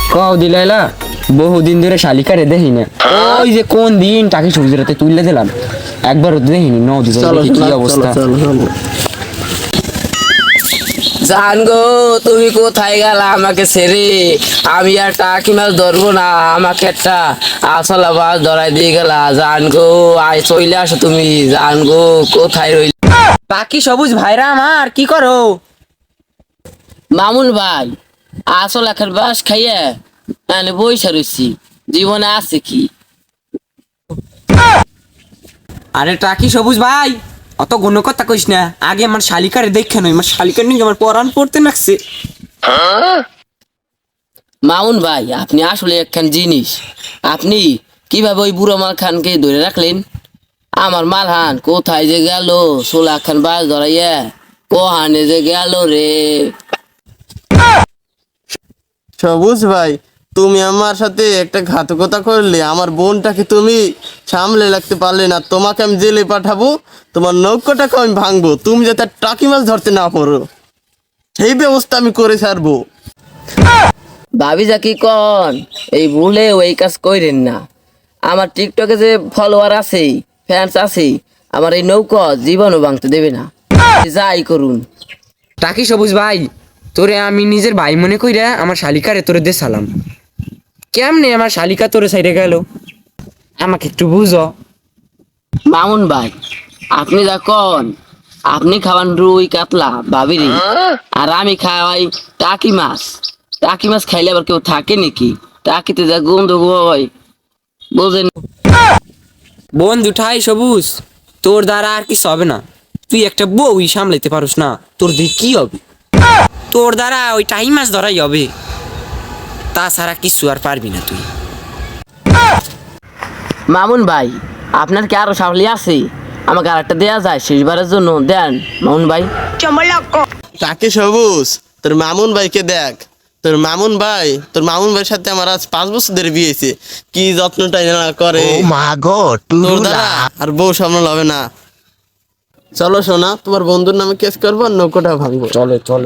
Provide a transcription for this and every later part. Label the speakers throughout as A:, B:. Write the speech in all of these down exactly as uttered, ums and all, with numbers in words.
A: কও দিলাইলা বহুদিন ধরে শালিকারে দেখি না। ওই যে কোন দিন টাকি সবজি রাতে তুললে দিলাম, একবার দেখিনি নদী কি অবস্থা।
B: জান গো তুমি কোথায় গেলা আমাকে ছেড়ে? আমি আর টাকি মাছ ধরবো না, আমাকে একটা আসলা মাছ ধরাই দিয়ে গেলা। জান গো আয় চলে আসো তুমি। জান গো কোথায় রইল?
A: টাকি সবুজ ভাইরা আমার কি করো?
B: মামুন ভাই আসল একের বাস খাইয়ে মানে বইসা রইছি, জীবনে আছে কি?
A: আরে টাকি সবুজ ভাই অত গুণ কথা কইস না, আগে আমার শালিকারে দেখে নই, আমার শালিকার নিয়ে আমার পরাণ পড়তে নাকছে।
B: মামুন ভাই আপনি আসলে একখান জিনিস। আপনি কিভাবে ওই বুড়ো মাল খানকে ধরে রাখলেন? আমার মালহান কোথায় যে গেল? সোলা খান বাস ধরাইয়া কোহানে যে গেল রে।
C: সবুজ ভাই, তুমি আমার সাথে একটা ঘাতকতা করলে, আমার বোনটাকে তুমি সামলে রাখতে পারলে না। তোমাকে আমি জেলে পাঠাবো, তোমার নৌকাটাকে আমি ভাঙবো, তুমি যাতে আর টাকি মাছ ধরতে না পারো সেই ব্যবস্থা আমি করে ছাড়বো।
B: ভাবি যা কি কন, এই ভুলে ওই কাজ কইরেন না। আমার টিকটকে যে ফলোয়ার আছে, ফ্যান্স আছে, আমার এই নৌকা জীবনও ভাঙতে দেবে না, যাই করুন।
A: টাকি সবুজ ভাই তোরে আমি নিজের ভাই মনে কইরা আমার শালিকারে তোরে দে সালাম। কেমনে আমার শালিকা তোরে সাইডে গেল আমাকে একটু বুঝো।
B: মামুন ভাই আপনি যা কন, আপনি খাওয়ান রুই কাতলা ভাবিরি, আর আমি খাওয়াই টাকি মাছ। টাকি মাছ খাইলে আবার কেউ থাকে নাকি? টাকিতে যা গন্ধ হয় বোঝেন।
A: বন্ধু ঠাই সবুজ, তোর দ্বারা আর কিছু হবে না। তুই একটা বউই সামলাইতে পারোস না, তোর দিয়ে কি হবে? তোর দ্বারা ওই টাই মাছ ধরাই হবে, তাছাড়া কিছু আর পারবি না তুই।
B: মামুন ভাই আপনার কি আরো সামলি আছে? আমাকে আর একটা দেয়া যায় শেষবারের জন্য, দেন মামুন ভাই।
C: টাকি সবুজ, তোর মামুন ভাইকে দেখ। তোর মামুন ভাই তোর মামুন ভাইয়ের সাথে আমার আজ পাঁচ বছর ধরে বিয়ে হয়েছে, কি যত্নটাই না করে।
D: ও মা গো
C: তোর দ্বারা আর বউ সামলানো হবে না। চলো সোনা, তোমার বন্ধুর নামে কেস করবো আর নৌকোটা ভাঙবো।
A: চলে চলে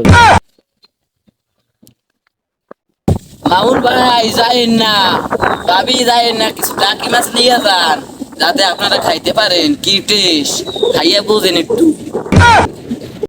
B: মামুন ভাই যাইেন না, ভাবি যাইেন না, কিছু টাকি মাছ নিয়ে যান যাতে আপনারা খাইতে পারেন। কি টেস্ট খাইয়া বোঝেন একটু।